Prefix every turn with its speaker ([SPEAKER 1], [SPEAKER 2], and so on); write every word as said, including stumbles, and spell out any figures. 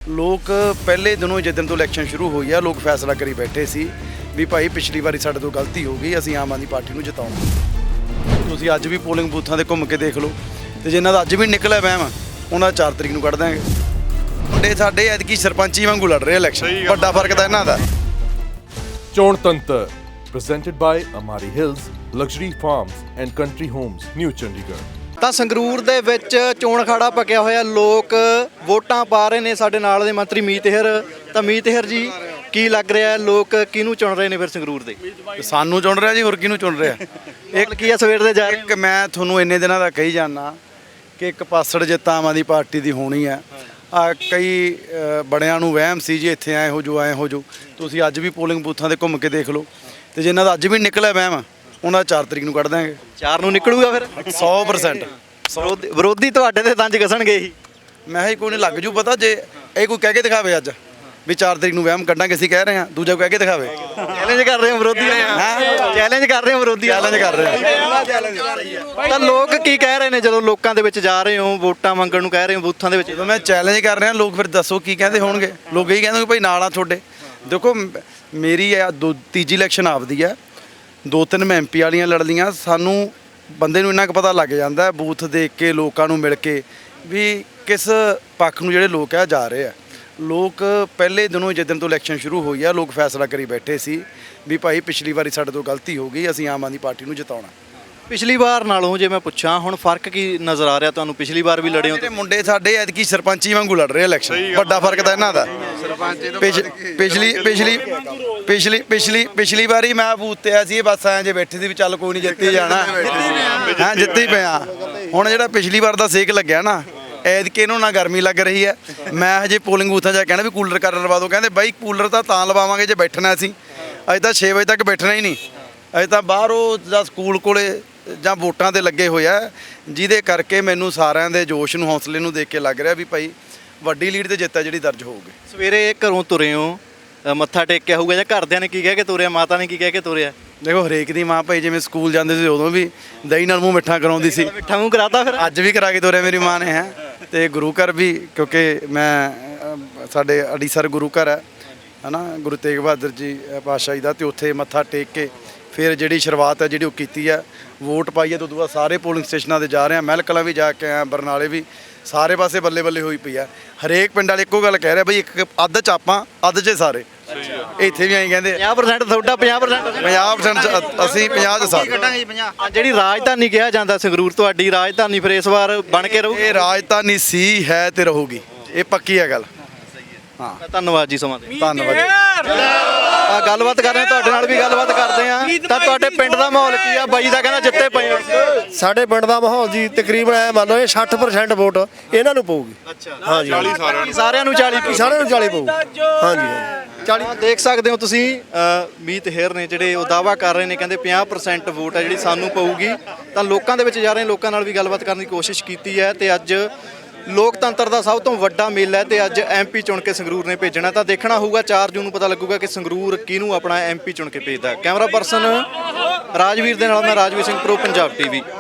[SPEAKER 1] ਲੋਕ ਪਹਿਲੇ ਦਿਨੋਂ ਜਿੱਦਣ ਤੋਂ ਇਲੈਕਸ਼ਨ ਸ਼ੁਰੂ ਹੋਈ ਆ ਲੋਕ ਫੈਸਲਾ ਕਰੀ ਬੈਠੇ ਸੀ ਵੀ ਭਾਈ ਪਿਛਲੀ ਵਾਰੀ ਸਾਡੇ ਤੋਂ ਗਲਤੀ ਹੋ ਗਈ, ਅਸੀਂ ਆਮ ਆਦਮੀ ਪਾਰਟੀ ਨੂੰ ਜਿਤਾਉਣਾ। ਤੁਸੀਂ ਅੱਜ ਵੀ ਪੋਲਿੰਗ ਬੂਥਾਂ ਤੇ ਘੁੰਮ ਕੇ ਦੇਖ ਲਓ ਤੇ ਜਿਨ੍ਹਾਂ ਦਾ ਅੱਜ ਵੀ ਨਿਕਲਿਆ ਵਹਿਮ ਉਹਨਾਂ ਚਾਰ ਤਰੀਕ ਨੂੰ ਕੱਢ ਦਾਂਗੇ। ਮੁੰਡੇ ਸਾਡੇ ਐਤਕੀ ਸਰਪੰਚੀ ਵਾਂਗੂ ਲੜ ਰਹੇ ਇਲੈਕਸ਼ਨ, ਵੱਡਾ ਫਰਕ ਤਾਂ ਇਹਨਾਂ ਦਾ।
[SPEAKER 2] ਚੋਣ ਤੰਤਰ presented by Amari Hills Luxury Farms and Country Homes, New Chandigarh।
[SPEAKER 3] ਤਾਂ ਸੰਗਰੂਰ ਦੇ ਵਿੱਚ ਚੋਣ ਅਖਾੜਾ ਪੱਕਿਆ ਹੋਇਆ, ਲੋਕ ਵੋਟਾਂ ਪਾ ਰਹੇ ਨੇ। ਸਾਡੇ ਨਾਲ ਦੇ ਮੰਤਰੀ ਮੀਤ ਹੇਰ। ਤਾਂ ਮੀਤ ਹੇਰ ਜੀ, ਕੀ ਲੱਗ ਰਿਹਾ ਲੋਕ ਕਿਹਨੂੰ ਚੁਣ ਰਹੇ ਨੇ ਫਿਰ ਸੰਗਰੂਰ ਦੇ?
[SPEAKER 1] ਸਾਨੂੰ ਚੁਣ ਰਿਹਾ ਜੀ, ਹੋਰ ਕਿਹਨੂੰ ਚੁਣ ਰਿਹਾ?
[SPEAKER 3] ਇੱਕ ਕੀ ਆ ਸਵੇਰ ਦੇ ਜਾ ਰਹੇ
[SPEAKER 1] ਇੱਕ ਮੈਂ ਤੁਹਾਨੂੰ ਇੰਨੇ ਦਿਨਾਂ ਦਾ ਕਹੀ ਜਾਣਾ ਕਿ ਇੱਕ ਪਾਸੜ ਜਿੱਤ ਆਮ ਆਦਮੀ ਪਾਰਟੀ ਦੀ ਹੋਣੀ ਹੈ। ਆ ਕਈ ਬੜਿਆਂ ਨੂੰ ਵਹਿਮ ਸੀ ਜੀ ਇੱਥੇ ਐ ਹੋ ਜੋ ਐ ਹੋ ਜੋ। ਤੁਸੀਂ ਅੱਜ ਵੀ ਪੋਲਿੰਗ ਬੂਥਾਂ ਤੇ ਘੁੰਮ ਕੇ ਦੇਖ ਲਓ ਤੇ ਜਿਨ੍ਹਾਂ ਦਾ ਅੱਜ ਵੀ ਨਿਕਲਿਆ ਵਹਿਮ ਉਹਨਾਂ ਚਾਰ ਤਰੀਕ ਨੂੰ ਕੱਢ ਦਾਂਗੇ।
[SPEAKER 3] ਚਾਰ ਨੂੰ ਨਿਕਲੂਗਾ ਫਿਰ
[SPEAKER 1] ਸੌ ਪ੍ਰਸੈਂਟ।
[SPEAKER 3] ਵਿਰੋਧੀ ਵਿਰੋਧੀ ਤੁਹਾਡੇ ਤੇ ਤੰਜ ਘਸਣਗੇ ਹੀ।
[SPEAKER 1] ਮੈਂ ਹੀ ਕੋਈ ਨਹੀਂ ਲੱਗ ਜੂ ਪਤਾ, ਜੇ ਇਹ ਕੋਈ ਕਹਿ ਕੇ ਦਿਖਾਵੇ ਅੱਜ ਵੀ ਚਾਰ ਤਰੀਕ ਨੂੰ ਵਹਿਮ ਕੱਢਾਂਗੇ, ਅਸੀਂ ਕਹਿ ਰਹੇ ਹਾਂ, ਦੂਜਾ ਕਹਿ ਕੇ ਦਿਖਾਵੇ।
[SPEAKER 3] ਚੈਲੰਜ ਕਰ ਰਹੇ ਹੋ ਵਿਰੋਧੀ, ਚੈਲੰਜ ਕਰ ਰਹੇ ਹੋ ਵਿਰੋਧੀ,
[SPEAKER 1] ਚੈਲੰਜ ਕਰ ਰਹੇ
[SPEAKER 3] ਹਾਂ। ਤਾਂ ਲੋਕ ਕੀ ਕਹਿ ਰਹੇ ਨੇ ਜਦੋਂ ਲੋਕਾਂ ਦੇ ਵਿੱਚ ਜਾ ਰਹੇ ਹੋ, ਵੋਟਾਂ ਮੰਗਣ ਨੂੰ ਕਹਿ ਰਹੇ ਹੋ ਬੂਥਾਂ ਦੇ ਵਿੱਚ?
[SPEAKER 1] ਜਦੋਂ ਮੈਂ ਚੈਲੰਜ ਕਰ ਰਿਹਾ ਲੋਕ ਫਿਰ ਦੱਸੋ ਕੀ ਕਹਿੰਦੇ ਹੋਣਗੇ? ਲੋਕ ਇਹੀ ਕਹਿੰਦੇ ਭਾਈ ਨਾਲ ਆ ਤੁਹਾਡੇ। ਦੇਖੋ ਮੇਰੀ ਆ ਦੋ ਤੀਜੀ ਇਲੈਕਸ਼ਨ ਆਪਦੀ ਆ, ਦੋ ਤਿੰਨ ਮੈਂ ਐਮ ਪੀ ਵਾਲੀਆਂ ਲੜ ਲਈਆਂ। ਸਾਨੂੰ ਬੰਦੇ ਨੂੰ ਇੰਨਾ ਕੁ ਪਤਾ ਲੱਗ ਜਾਂਦਾ ਬੂਥ ਦੇਖ ਕੇ, ਲੋਕਾਂ ਨੂੰ ਮਿਲ ਕੇ ਵੀ ਕਿਸ ਪੱਖ ਨੂੰ ਜਿਹੜੇ ਲੋਕ ਆ ਜਾ ਰਹੇ ਆ। ਲੋਕ ਪਹਿਲੇ ਦਿਨੋਂ ਜਿੱਦਣ ਤੋਂ ਇਲੈਕਸ਼ਨ ਸ਼ੁਰੂ ਹੋਈ ਆ ਲੋਕ ਫੈਸਲਾ ਕਰੀ ਬੈਠੇ ਸੀ ਵੀ ਭਾਈ ਪਿਛਲੀ ਵਾਰੀ ਸਾਡੇ ਤੋਂ ਗਲਤੀ ਹੋ ਗਈ, ਅਸੀਂ ਆਮ ਆਦਮੀ ਪਾਰਟੀ ਨੂੰ ਜਿਤਾਉਣਾ।
[SPEAKER 3] ਪਿਛਲੀ ਵਾਰ ਨਾਲੋਂ ਜੇ ਮੈਂ ਪੁੱਛਾਂ ਹੁਣ ਫਰਕ ਕੀ ਨਜ਼ਰ ਆ ਰਿਹਾ ਤੁਹਾਨੂੰ? ਪਿਛਲੀ ਵਾਰ ਵੀ ਲੜੇ ਹੋ
[SPEAKER 1] ਜਿਹੜੇ ਮੁੰਡੇ ਸਾਡੇ ਐਤਕੀ ਸਰਪੰਚੀ ਵਾਂਗੂ ਲੜ ਰਹੇ ਇਲੈਕਸ਼ਨ, ਵੱਡਾ ਫਰਕ ਤਾਂ ਇਹਨਾਂ ਦਾ। ਪਿਛ- ਪਿਛਲੀ ਪਿਛਲੀ ਪਿਛਲੀ ਪਿਛਲੀ ਪਿਛਲੀ ਵਾਰੀ ਮੈਂ ਬੂਥ ਤੇ ਆ ਸੀ, ਬਸ ਐਂ ਜੇ ਬੈਠੇ ਸੀ ਵੀ ਚੱਲ ਕੋਈ ਨਹੀਂ ਜਿੱਤੀ ਜਾਣਾ, ਹਾਂ ਜਿੱਤੀ ਪਿਆ। ਹੁਣ ਜਿਹੜਾ ਪਿਛਲੀ ਵਾਰ ਦਾ ਸੇਕ ਲੱਗਿਆ ਨਾ, ਐਤਕੀ ਇਹਨੂੰ ਨਾ ਗਰਮੀ ਲੱਗ ਰਹੀ ਹੈ। ਮੈਂ ਹਜੇ ਪੋਲਿੰਗ ਬੂਥਾਂ 'ਚ ਕਹਿਣਾ ਵੀ ਕੂਲਰ ਕਰ ਲਵਾ ਦਿਓ, ਕਹਿੰਦੇ ਬਾਈ ਕੂਲਰ ਤਾਂ ਤਾਂ ਲਵਾਵਾਂਗੇ ਜੇ ਬੈਠਣਾ ਅਸੀਂ। ਅਜੇ ਤਾਂ ਛੇ ਵਜੇ ਤੱਕ ਬੈਠਣਾ ਹੀ ਨਹੀਂ, ਅਜੇ ਤਾਂ ਬਾਹਰੋਂ ਜਾਂ ਸਕੂਲ ਕੋਲੇ ਜਾਂ ਵੋਟਾਂ 'ਤੇ ਲੱਗੇ ਹੋਏ ਆ, ਜਿਹਦੇ ਕਰਕੇ ਮੈਨੂੰ ਸਾਰਿਆਂ ਦੇ ਜੋਸ਼ ਨੂੰ, ਹੌਸਲੇ ਨੂੰ ਦੇਖ ਕੇ ਲੱਗ ਰਿਹਾ ਵੀ ਭਾਈ ਵੱਡੀ ਲੀਡ ਤੇ ਜਿੱਤ ਹੈ ਜਿਹੜੀ ਦਰਜ ਹੋਊਗੀ।
[SPEAKER 3] ਸਵੇਰੇ ਘਰੋਂ ਤੁਰੇ ਹੋ, ਅ, ਮੱਥਾ ਟੇਕਿਆ ਹੋਊਗਾ ਜਾਂ ਘਰਦਿਆਂ ਨੇ ਕੀ ਕਹਿ ਕੇ ਤੁਰਿਆ, ਮਾਤਾ ਨੇ ਕੀ ਕਹਿ ਕੇ ਤੁਰਿਆ?
[SPEAKER 1] ਦੇਖੋ ਹਰੇਕ ਦੀ ਮਾਂ ਭਾਈ ਜਿਵੇਂ ਸਕੂਲ ਜਾਂਦੇ ਸੀ ਉਦੋਂ ਵੀ ਦਹੀਂ ਨਾਲ ਮੂੰਹ ਮਿੱਠਾ ਕਰਾਉਂਦੀ ਸੀ,
[SPEAKER 3] ਮਿੱਠਾ ਮੂੰਹ ਕਰਾਤਾ ਫਿਰ
[SPEAKER 1] ਅੱਜ ਵੀ ਕਰਾ ਕੇ ਤੋਰਿਆ ਮੇਰੀ ਮਾਂ ਨੇ ਹੈ। ਤੇ ਗੁਰੂ ਘਰ ਵੀ, ਕਿਉਂਕਿ ਮੈਂ ਅ, ਸਾਡੇ ਅੜੀਸਰ ਗੁਰੂ ਘਰ ਹੈ ਹੈ ਨਾ, ਗੁਰੂ ਤੇਗ ਬਹਾਦਰ ਜੀ ਪਾਤਸ਼ਾਹ ਜੀ ਦਾ, ਤੇ ਉੱਥੇ ਮੱਥਾ ਟੇਕ ਕੇ ਫਿਰ ਜਿਹੜੀ ਸ਼ੁਰੂਆਤ ਹੈ ਜਿਹੜੀ ਉਹ ਕੀਤੀ ਹੈ, ਵੋਟ ਪਾਈ ਹੈ। ਤੋਂ ਬਾਅਦ ਸਾਰੇ ਪੋਲਿੰਗ ਸਟੇਸ਼ਨਾਂ 'ਤੇ ਜਾ ਰਹੇ ਹਾਂ, ਮਹਿਲ ਕਲਾਂ ਵੀ ਜਾ ਕੇ ਆਇਆ, ਬਰਨਾਲੇ ਵੀ, ਸਾਰੇ ਪਾਸੇ ਬੱਲੇ ਬੱਲੇ ਹੋਈ ਪਈ ਆ। ਹਰੇਕ ਪਿੰਡ ਵਾਲੇ ਇੱਕੋ ਗੱਲ ਕਹਿ ਰਿਹਾ ਬਈ ਇੱਕ ਅੱਧ 'ਚ ਆਪਾਂ, ਅੱਧ 'ਚ ਸਾਰੇ। ਇੱਥੇ ਵੀ ਐਂ ਕਹਿੰਦੇ
[SPEAKER 3] ਪੰਜਾਹ ਪ੍ਰਸੈਂਟ ਤੁਹਾਡਾ, ਪੰਜਾਹ ਪ੍ਰਸੈਂਟ
[SPEAKER 1] ਪੰਜਾਹ ਪ੍ਰਸੈਂਟ ਅਸੀਂ, ਪੰਜਾਹ 'ਚ ਸਾਰੇ।
[SPEAKER 3] ਜਿਹੜੀ ਰਾਜਧਾਨੀ ਕਿਹਾ ਜਾਂਦਾ ਸੰਗਰੂਰ ਤੁਹਾਡੀ ਰਾਜਧਾਨੀ, ਫਿਰ ਇਸ ਵਾਰ ਬਣ ਕੇ ਰਹੂ?
[SPEAKER 1] ਇਹ ਰਾਜਧਾਨੀ ਸੀ, ਹੈ ਤੇ ਰਹੂਗੀ, ਇਹ ਪੱਕੀ ਹੈ ਗੱਲ। ਹਾਂ
[SPEAKER 3] ਧੰਨਵਾਦ ਜੀ ਸਮਾਂ ਦੇ।
[SPEAKER 1] ਧੰਨਵਾਦ।
[SPEAKER 3] ਆ ਗੱਲਬਾਤ ਕਰ ਰਹੇ ਤੁਹਾਡੇ ਨਾਲ ਵੀ ਗੱਲਬਾਤ ਕਰਦੇ ਆ। ਤਾਂ ਤੁਹਾਡੇ ਪਿੰਡ ਦਾ ਮਾਹੌਲ ਕੀ ਆ? ਬਾਈ ਦਾ ਕਹਿੰਦਾ ਜਿੱਤੇ ਪਏ ਹੋ।
[SPEAKER 4] ਸਾਡੇ ਪਿੰਡ ਦਾ ਮਾਹੌਲ ਜੀ ਤਕਰੀਬਨ ਐ ਮੰਨ ਲਓ ਇਹ ਸੱਠ ਪ੍ਰਸੈਂਟ ਵੋਟ ਇਹਨਾਂ ਨੂੰ ਪਊਗੀ।
[SPEAKER 3] ਅੱਛਾ
[SPEAKER 4] ਹਾਂ ਜੀ,
[SPEAKER 3] ਸਾਰਿਆਂ ਨੂੰ ਚਾਲੀ
[SPEAKER 4] ਸਾਰਿਆਂ ਨੂੰ ਚਾਲੀ ਪਊ। ਹਾਂ ਜੀ
[SPEAKER 3] ਚਾਲੀ ਦੇਖ ਸਕਦੇ ਹੋ ਤੁਸੀਂ। ਮੀਤ ਹੇਰ ਨੇ ਜਿਹੜੇ ਉਹ ਦਾਅਵਾ ਕਰ ਰਹੇ ਨੇ, ਕਹਿੰਦੇ ਪੰਜਾਹ ਪ੍ਰਸੈਂਟ ਵੋਟ ਹੈ ਜਿਹੜੀ ਸਾਨੂੰ ਪਊਗੀ। ਤਾਂ ਲੋਕਾਂ ਦੇ ਵਿੱਚ ਜਾ ਰਹੇ, ਲੋਕਾਂ ਨਾਲ ਵੀ ਗੱਲਬਾਤ ਕਰਨ ਦੀ ਕੋਸ਼ਿਸ਼ ਕੀਤੀ ਹੈ। ਤੇ ਅੱਜ ਲੋਕਤੰਤਰ ਦਾ ਸਭ ਤੋਂ ਵੱਡਾ ਮੇਲਾ ਹੈ ਤੇ ਅੱਜ ਐਮ ਪੀ ਚੁਣ ਕੇ ਸੰਗਰੂਰ ਨੇ ਭੇਜਣਾ। ਤਾਂ ਦੇਖਣਾ ਹੋਊਗਾ ਚਾਰ ਜੂਨ ਨੂੰ ਪਤਾ ਲੱਗੂਗਾ ਕਿ ਸੰਗਰੂਰ ਕਿਹਨੂੰ ਆਪਣਾ ਐਮ ਪੀ ਚੁਣ ਕੇ ਭੇਜਦਾ। ਕੈਮਰਾ ਪਰਸਨ ਰਾਜਵੀਰ ਦੇ ਨਾਲ ਮੈਂ ਰਾਜਵੀਰ ਸਿੰਘ, ਪ੍ਰੋ ਪੰਜਾਬ ਟੀਵੀ।